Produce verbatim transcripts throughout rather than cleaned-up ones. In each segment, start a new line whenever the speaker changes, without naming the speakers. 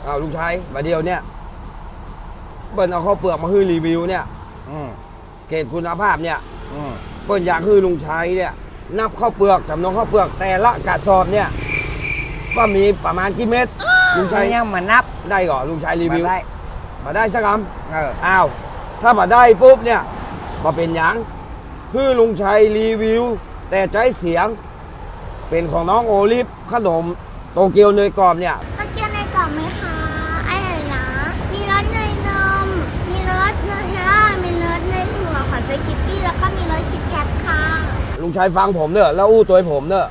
อ้าวลุงชัยมาเดียวเนี่ยเปิ้ลเอาข้าวเปลือกมาให้รีวิวเนี่ยเกรดคุณภาพเนี่ยเปิ้ลอยากให้ลุงชัยเนี่ยนับข้าวเปลือกจำนวนข้าวเปลือกแต่ละกระสอบเนี่ยว่ามีประมาณกี่เม็ดลุงชัย
ยังมานับ
ได้ก่อนลุงชัยรีวิว
มาได้
มาได้สักคำอ้าวถ้ามาได้ปุ๊บเนี่ยมาเป็นอย่างคือลุงชัยรีวิวแต่ใจเสียงเป็นของน้องโอลิฟขนมโตเกียวเนยกรอบเนี่ย
โตเกียวเนยกรอบไหมคะอร่อยนะมีรสเนยนมมีรสเนยเฮล่ามีรสเนยถั่วของไซคิปปี้แล้วก็มีรสชิปแคทค่ะ
ลุงชัยฟังผมเนอะแล้วอู้ตัวผมเนอะ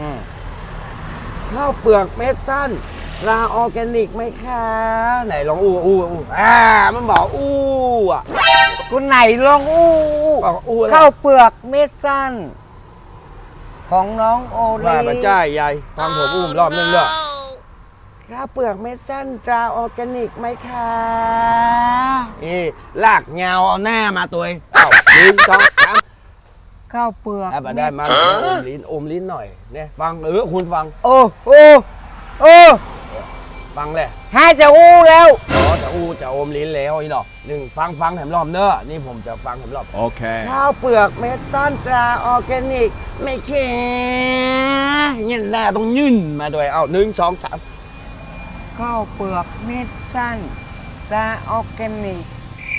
ข้าวเปลือกเม็ดสั้นราออร์แกนิกไหมคะไหนลองอู้อู้อู้อ่ามันบอกอู้อ่ะ
คุณไหนลองอู้
บอกอู้
ข้าวเปลือกเม็ดสั้นของน้องโอลี
ว่ามาจ้ายายฟังผมอู้รอบนึงเนอะข้าวเปลือกเม็ดสั้นตราออร์แกนิกไหมคะนี่ลากเงาเอาหน้ามาตัวเอ้าลิ้นสองสาม
ข้าวเปลือก
มาได้มาอมลิ้นอมลิ้นหน่อยเนี่ยฟังเออคุณฟัง
โอ้โอ้โอ้
ฟังแหละ
ให้จะอู้แล้ว
อ๋อจะอู้จะอมลิ้นแล้วอีหนอหนึ่งฟังฟังแถมรอบเนอะนี่ผมจะฟังแถมรอบ
โอเค
ข้าวเปลือกเม็ดสั้นตราออร์แกนิกไม่เค็มเงี้ยหน้าต้องยื่นมาด้วยเอาหนึ่งสองสาม
ข้าวเปลือกเม็ดสั้นตราออร์แกนิก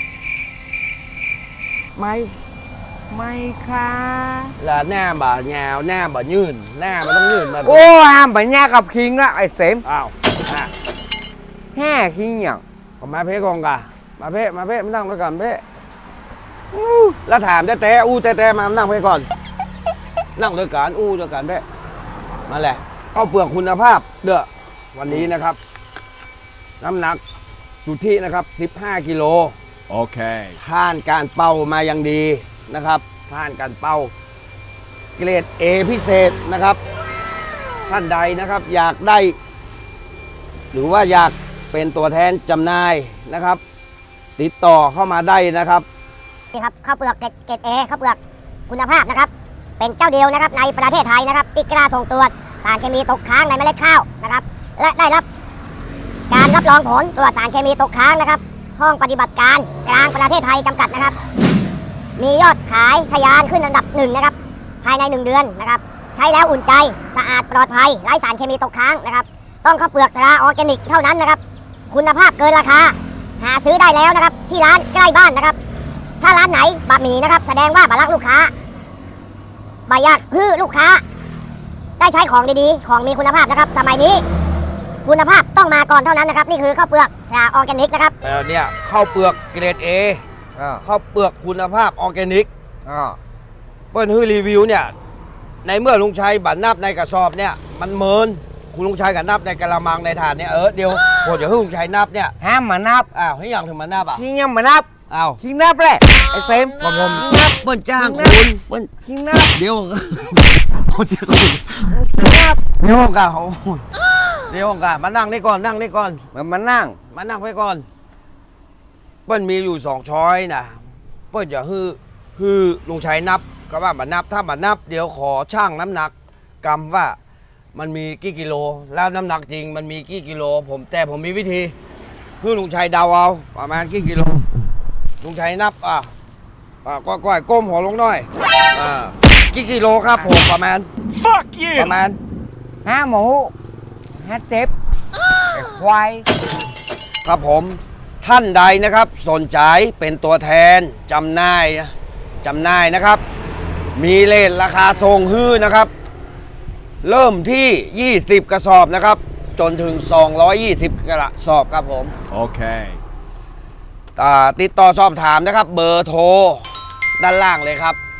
ไม่
ไม่ค่ะ
แล้วหน้าบ่าเงาหน้าบ่ายื่นหน้ามันต้องยื่นมา
โอ้ห้ามไปแย่กับคิงละไอ้เสม
อ้าว
แห่คิงอย่าง
มาเพ่กองกะมาเพ่มาเพ่มานั่งด้วยกันเพ่แล้วถามแต่แต่อู้แต่แต่มานั่งเพ่ก่อนนั่งด้วยกันอู้ด้วยกันเพ่มาแหละข้าวเปลือกคุณภาพเด้อวันนี้นะครับน้ำหนักสุทธินะครับสิบห้ากิโล
โอเค
ผ่านการเป่ามาอย่างดีนะครับผ่านการเป่าเกรด A พิเศษนะครับท่านใดนะครับอยากได้หรือว่าอยากเป็นตัวแทนจำหน่ายนะครับติดต่อเข้ามาได้นะครับ
นี่ครับข้าวเปลือกเกรด A ข้าวเปลือกคุณภาพนะครับเป็นเจ้าเดียวนะครับในประเทศไทยนะครับที่กล้าส่งตรวจสารเคมีตกค้างในเมล็ดข้าวนะครับและได้รับการรับรองผลตรวจสารเคมีตกค้างนะครับห้องปฏิบัติการกลางประเทศไทยจำกัดนะครับมียอดขายทะยานขึ้นอันดับหนึ่งนะครับภายในหนึ่งเดือนนะครับใช้แล้วอุ่นใจสะอาดปลอดภัยไร้สารเคมีตกค้างนะครับต้องข้าวเปลือกตราออร์แกนิกเท่านั้นนะครับคุณภาพเกินราคาหาซื้อได้แล้วนะครับที่ร้านใกล้บ้านนะครับถ้าร้านไหนบะหมี่นะครับแสดงว่าบะรักลูกค้าบะยากฮื้อลูกค้าได้ใช้ของดีๆของมีคุณภาพนะครับสมัยนี้คุณภาพต้องมาก่อนเท่านั้นนะครับนี่คือข้าวเปลือกตราออร์แกนิกนะครับ
แล้วเนี่ยข้าวเปลือกเกรด A ข้าวเปลือกคุณภาพออร์แกนิกเปิ้ลฮื้อรีวิวเนี่ยในเมื่อลุงชัยบัตรนับในกระสอบเนี่ยมันเมินคุณลุงชัยกับนับในกระมังในถาดเนี่ยเออเดี๋ยวผมจะให้ลุงชัยนับเนี่ย
ห้ามมานับ
อ้าวให้ยังถึงมานับอ่ะ
คิงยังมานับ
อ้าว
คิงนับแหละไอ้เซม
ผมผมนับเปิ้ลจ้างคุณเปิ้ล
คิงนับ
เดี๋ยวคนเดียวนับเดี๋ยวกันโอ้เดี๋ยวกันมานั่งนี่ก่อนนั่งนี่ก่อน
มามานั่ง
มานั่งไว้ก่อนเปิ้ลมีอยู่สองช้อยนะเปิ้ลจะฮือฮือลุงชัยนับก็ว่าบัตรนับถ้าบัตรนับเดี๋ยวขอช่างน้ำหนักกำว่ามันมีกี่กิโลแล้วน้ำหนักจริงมันมีกี่กิโลผมแต่ผมมีวิธีคือลุงชัยเดาเอาประมาณกี่กิโลลุงชัยนับอ่ะก็ก้อยก้มหัวลงหน่อยอ่ากี่กิโลครับผมประมาณ
fuck you
ประมาณ
ห้าหมูห้าเจ็บไอ้ควาย
ครับผมท่านใดนะครับสนใจเป็นตัวแทนจำหน่ายจำหน่ายนะครับมีเลทราคาทรงฮื้อนะครับเริ่มที่ยี่สิบกระสอบนะครับจนถึงสองร้อยยี่สิบกระสอบครับผม
โอเค
ติดต่อสอบถามนะครับเบอร์โทรด้านล่างเลยครับ